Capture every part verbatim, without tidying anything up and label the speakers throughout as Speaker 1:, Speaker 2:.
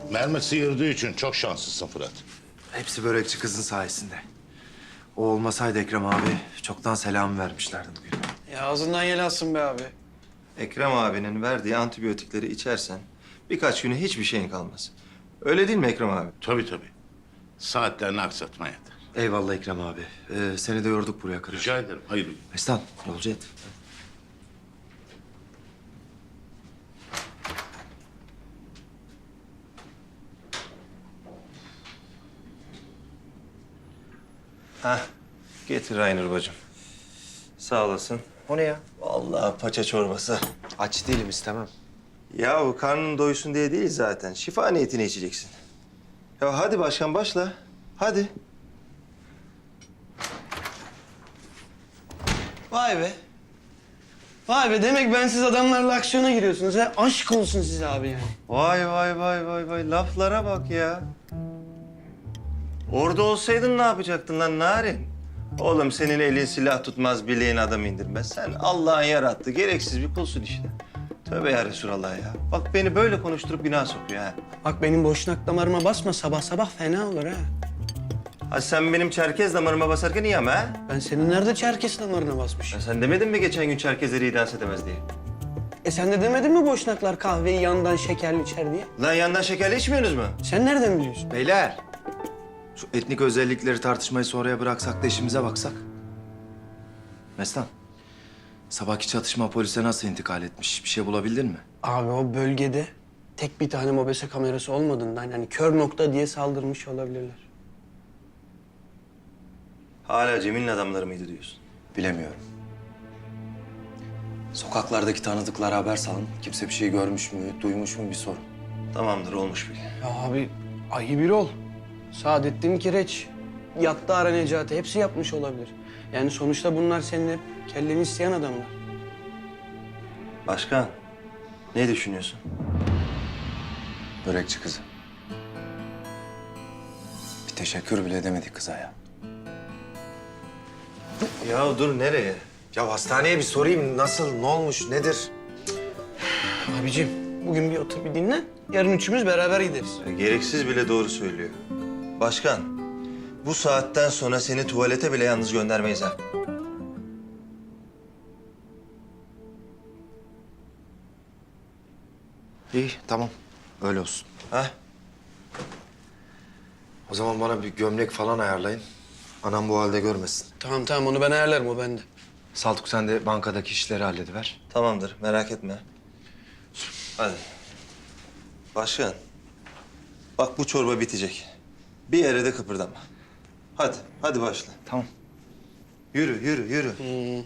Speaker 1: Mermi sıyırdığı için çok şanslısın Fırat.
Speaker 2: Hepsi börekçi kızın sayesinde. O olmasaydı Ekrem abi çoktan selam vermişlerdi bugün.
Speaker 3: Ya ağzından yel alsın be abi.
Speaker 4: Ekrem abinin verdiği antibiyotikleri içersen birkaç güne hiçbir şeyin kalmaz. Öyle değil mi Ekrem abi?
Speaker 1: Tabii tabii. Saatlerini aksatma yeter.
Speaker 2: Eyvallah Ekrem abi. Ee, seni de yorduk buraya kadar.
Speaker 1: Rica ederim. Hayır.
Speaker 2: Mestan, yolcu et.
Speaker 4: Hah, getir Raynur bacım. Sağ olasın.
Speaker 2: O ne ya?
Speaker 4: Vallahi paça çorbası.
Speaker 2: Aç değilim, istemem.
Speaker 4: Yahu karnın doysun diye değil zaten. Şifa niyetine içeceksin. Ya hadi başkan başla. Hadi.
Speaker 3: Vay be. Vay be demek bensiz adamlarla aksiyona giriyorsunuz ha. Aşk olsun size abi yani.
Speaker 4: Vay vay vay vay vay. Laflara bak ya. Orada olsaydın ne yapacaktın lan Narin? Oğlum senin elin silah tutmaz, bileğin adam indirmez. Sen Allah'ın yarattığı gereksiz bir kulsun işte. Tövbe ya Resulallah ya. Bak beni böyle konuşturup günah sokuyor ha.
Speaker 3: Bak benim boşnak damarıma basma sabah sabah fena olur ha.
Speaker 4: Ha sen benim Çerkez damarıma basarken iyi ama ha?
Speaker 3: Ben senin nerede Çerkes damarına basmışım?
Speaker 4: Ya sen demedin mi geçen gün Çerkezleri iyi dans edemez diye?
Speaker 3: E sen de demedin mi boşnaklar kahveyi yandan şekerli içer diye?
Speaker 4: Lan yandan şekerli içmiyorsunuz mu?
Speaker 3: Sen nereden biliyorsun?
Speaker 2: Beyler, şu etnik özellikleri tartışmayı sonraya bıraksak da işimize baksak. Mestan, sabahki çatışma polise nasıl intikal etmiş? Bir şey bulabildin mi?
Speaker 3: Abi o bölgede tek bir tane mobese kamerası olmadığından yani kör nokta diye saldırmış olabilirler.
Speaker 4: Hala Cemil'in adamları mıydı diyorsun?
Speaker 2: Bilemiyorum. Sokaklardaki tanıdıklara haber salın. Kimse bir şey görmüş mü, duymuş mu bir sorun.
Speaker 4: Tamamdır olmuş bil.
Speaker 3: Ya abi ayı bir ol. Saadettin Kireç, Yattara Necati hepsi yapmış olabilir. Yani sonuçta bunlar senin hep kelleni isteyen adamlar.
Speaker 4: Başkan ne düşünüyorsun?
Speaker 2: Börekçi kızı. Bir teşekkür bile edemedik kıza ya.
Speaker 4: Ya dur nereye?
Speaker 2: Ya hastaneye bir sorayım. Nasıl, ne olmuş, nedir?
Speaker 3: Abicim bugün bir otur bir dinle. Yarın üçümüz beraber gideriz.
Speaker 4: Ya, gereksiz bile doğru söylüyor. Başkan bu saatten sonra seni tuvalete bile yalnız göndermeyiz ha.
Speaker 2: İyi, tamam. Öyle olsun.
Speaker 4: Ha?
Speaker 2: O zaman bana bir gömlek falan ayarlayın. Anam bu halde görmesin.
Speaker 3: Tamam tamam onu ben ayarlarım o bende.
Speaker 2: Saltuk sen de bankadaki işleri hallediver.
Speaker 4: Tamamdır merak etme. Hadi. Başkan. Bak bu çorba bitecek. Bir yere de kıpırdama. Hadi, hadi başla.
Speaker 2: Tamam.
Speaker 4: Yürü, yürü, yürü.
Speaker 3: Hmm.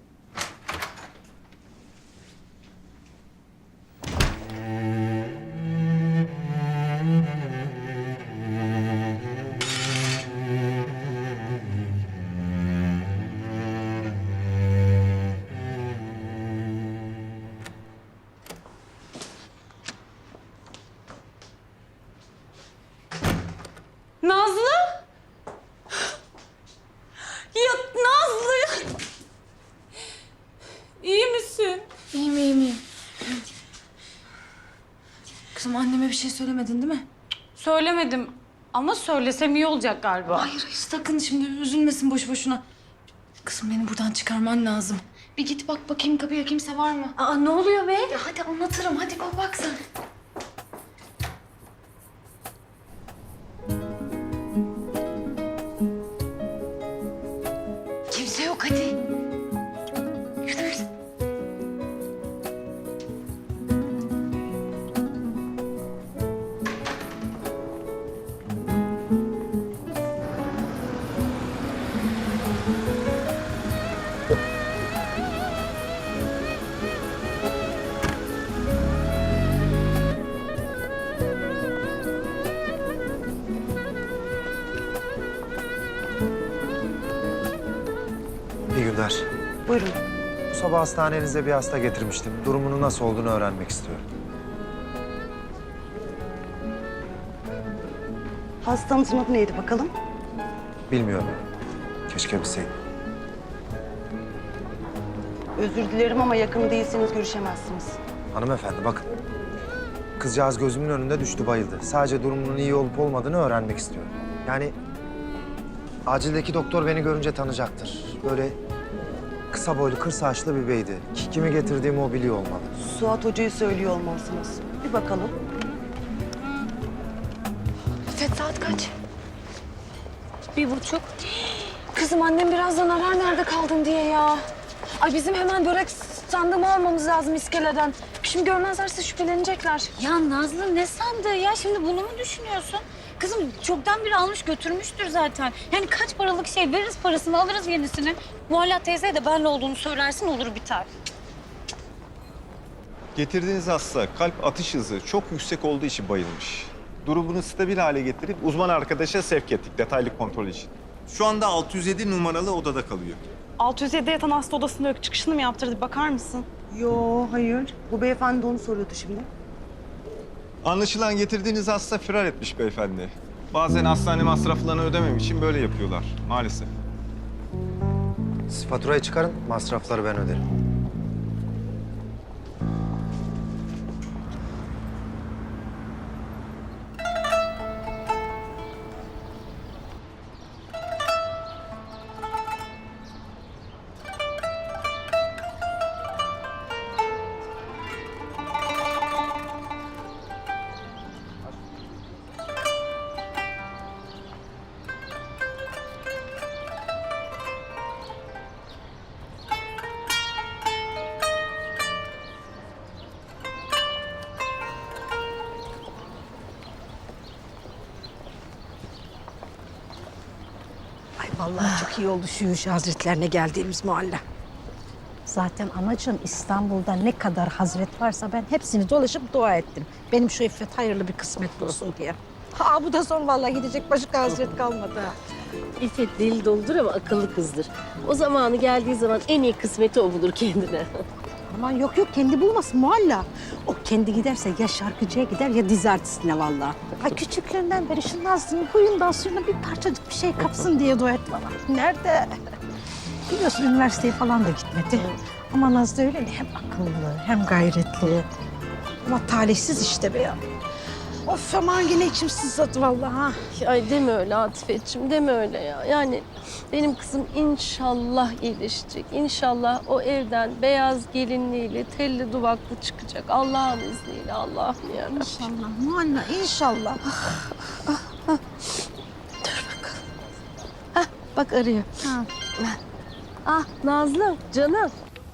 Speaker 5: Nazlı? Ya Nazlı! İyi misin?
Speaker 6: İyiyim, iyiyim, iyiyim. Kızım anneme bir şey söylemedin değil mi?
Speaker 5: Söylemedim ama söylesem iyi olacak galiba.
Speaker 6: Hayır, hayır sakın şimdi üzülmesin boş boşuna. Kızım beni buradan çıkarman lazım. Bir git bak bakayım kapıya kimse var mı?
Speaker 5: Aa ne oluyor be?
Speaker 6: Ya hadi anlatırım, hadi bak bak sen. Kimse yok hadi. Yürü, yürü.
Speaker 2: İyi günler.
Speaker 5: Buyurun.
Speaker 2: Bu sabah hastanenize bir hasta getirmiştim. Durumunu nasıl olduğunu öğrenmek istiyorum.
Speaker 7: Hastanızın adı neydi bakalım?
Speaker 2: Bilmiyorum. Keşke bilseydim.
Speaker 7: Özür dilerim ama yakın değilseniz görüşemezsiniz.
Speaker 2: Hanımefendi bakın. Kızcağız gözümün önünde düştü, bayıldı. Sadece durumunun iyi olup olmadığını öğrenmek istiyorum. Yani acildeki doktor beni görünce tanıyacaktır. Böyle kısa boylu, kır saçlı bir beydi. Ki- Kimi getirdiğimi o biliyor olmalı.
Speaker 7: Suat Hoca'yı söylüyor olmalısınız. Bir bakalım.
Speaker 6: İffet saat kaç?
Speaker 5: Bir buçuk.
Speaker 6: Kızım annem birazdan arar nerede kaldın diye ya. Ay bizim hemen börek sandığımı almamız lazım iskeleden. Şimdi görmezlerse şüphelenecekler.
Speaker 5: Ya Nazlı ne sandığı ya? Şimdi bunu mu düşünüyorsun? Kızım çoktan biri almış götürmüştür zaten. Yani kaç paralık şey veririz parasını alırız yenisini. Muhalla teyzeye de benle olduğunu söylersin olur biter.
Speaker 8: Getirdiğiniz hasta kalp atış hızı çok yüksek olduğu için bayılmış. Durumunu stabil hale getirip uzman arkadaşa sevk ettik detaylı kontrol için. Şu anda altı yüz yedi numaralı odada kalıyor.
Speaker 9: altı yüz yedide yatan hasta odasında yok. Çıkışını mı yaptırdı? Bakar mısın?
Speaker 7: Yo, hayır. Bu beyefendi de onu soruyordu şimdi.
Speaker 8: Anlaşılan getirdiğiniz hasta firar etmiş beyefendi. Bazen hastane masraflarını ödemem için böyle yapıyorlar maalesef.
Speaker 2: Siz faturayı çıkarın, masrafları ben öderim.
Speaker 10: Ay vallahi çok iyi oldu şu Yuşa Hazretlerine geldiğimiz mahalle. Zaten anacığım İstanbul'da ne kadar hazret varsa ben hepsini dolaşıp dua ettim. Benim şu İffet hayırlı bir kısmet olsun diye. Ha bu da son vallahi gidecek başka hazret kalmadı. ha.
Speaker 11: İffet deli doludur ama akıllı kızdır. O zamanı geldiği zaman en iyi kısmeti o bulur kendine.
Speaker 10: Aman yok yok kendi bulmasın muhalla. O kendi giderse ya şarkıcıya gider ya dizi artistine vallahi. Ay küçüklüğünden beri şu Nazlı'nın huyundan suyuna bir parçacık bir şey kapsın diye dua et bana. Nerede? Biliyorsun üniversiteye falan da gitmedi. Ama Nazlı öyle de hem akıllı hem gayretli. Ama talihsiz işte be ya. Of aman yine içim sızladı vallahi ha.
Speaker 11: Ay deme öyle Atifetciğim, deme öyle ya. Yani benim kızım inşallah iyileşecek. İnşallah o evden beyaz gelinliğiyle, telli duvaklı çıkacak. Allah'ın izniyle, Allah'ım ya.
Speaker 10: İnşallah mualla inşallah.
Speaker 11: Bak arıyor.
Speaker 10: Ha.
Speaker 11: Ah Nazlı, canım.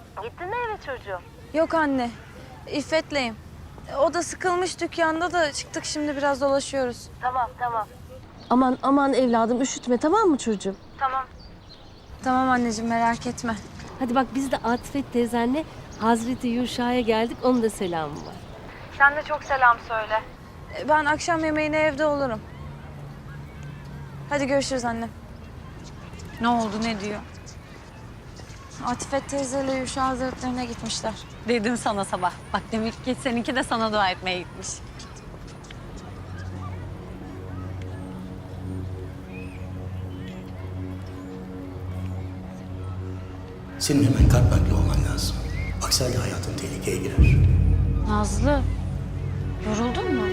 Speaker 6: Yok anne. İffet'leyim. O da sıkılmış dükkanda da çıktık şimdi biraz dolaşıyoruz.
Speaker 11: Aman aman evladım üşütme tamam mı çocuğum?
Speaker 6: Tamam anneciğim merak etme.
Speaker 11: Hadi bak biz de Atifet teyzenle Hazreti Yuşa'ya geldik. Onun da selamı var.
Speaker 6: Sen de çok selam söyle. Ben akşam yemeğine evde olurum. Hadi görüşürüz annem.
Speaker 5: Ne oldu ne diyor?
Speaker 6: Atifet teyzeyle Yuşa Hazretlerine gitmişler.
Speaker 5: Dedim sana sabah. Bak demek ki seninki de sana dua etmeye gitmiş.
Speaker 12: Senin hemen kalp nakli olman lazım. Aksi halde hayatın tehlikeye girer.
Speaker 5: Nazlı, yoruldun mu?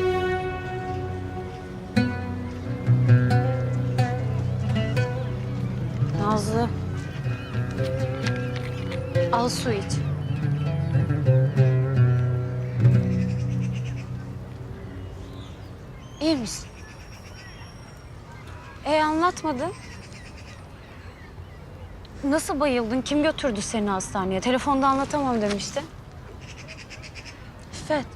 Speaker 5: Nazlı. Al su iç. İyi misin? E anlatmadın. Nasıl bayıldın? Kim götürdü seni hastaneye? Telefonda anlatamam demişti.
Speaker 6: İffet.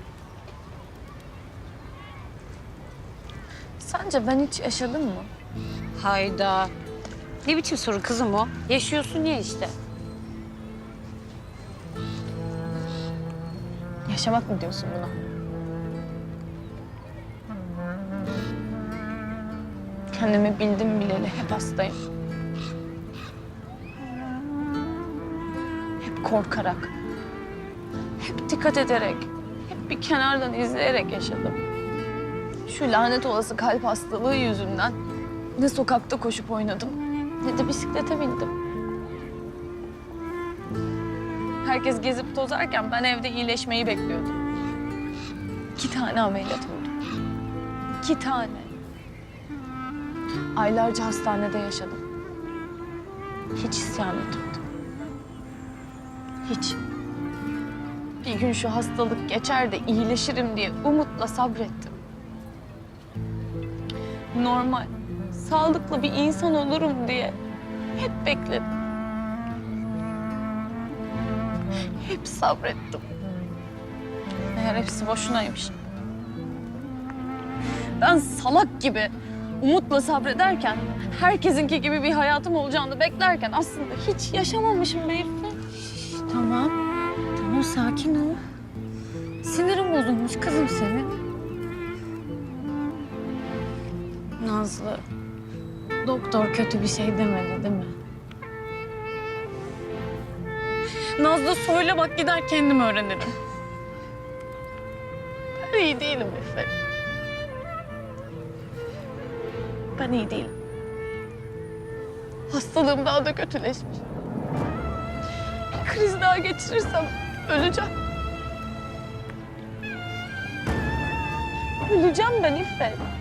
Speaker 6: Sence ben hiç yaşadım mı?
Speaker 5: Hayda. Ne biçim soru kızım o? Yaşıyorsun ya işte.
Speaker 6: Yaşamak mı diyorsun buna? Kendimi bildim bileli hep hastayım. Hep korkarak, hep dikkat ederek, hep bir kenardan izleyerek yaşadım. Şu lanet olası kalp hastalığı yüzünden ne sokakta koşup oynadım ne de bisiklete bindim. Herkes gezip tozarken ben evde iyileşmeyi bekliyordum. İki tane ameliyat oldum. İki tane. Aylarca hastanede yaşadım. Hiç isyan etmedim. Hiç. Bir gün şu hastalık geçer de iyileşirim diye umutla sabrettim. Normal, sağlıklı bir insan olurum diye hep bekledim. Hep sabrettim. Meğer hepsi boşunaymış. Ben salak gibi umutla sabrederken, herkesinki gibi bir hayatım olacağını beklerken aslında hiç yaşamamışım be İffet.
Speaker 5: Tamam. Tamam sakin ol. Sinirim bozulmuş kızım senin. Nazlı, doktor kötü bir şey demedi değil mi? Nazlı söyle bak gider kendim öğrenirim.
Speaker 6: Ben iyi değilim İffet. Ben iyi değilim. Hastalığım daha da kötüleşmiş. Bir kriz daha geçirirsem öleceğim. Öleceğim ben İffet.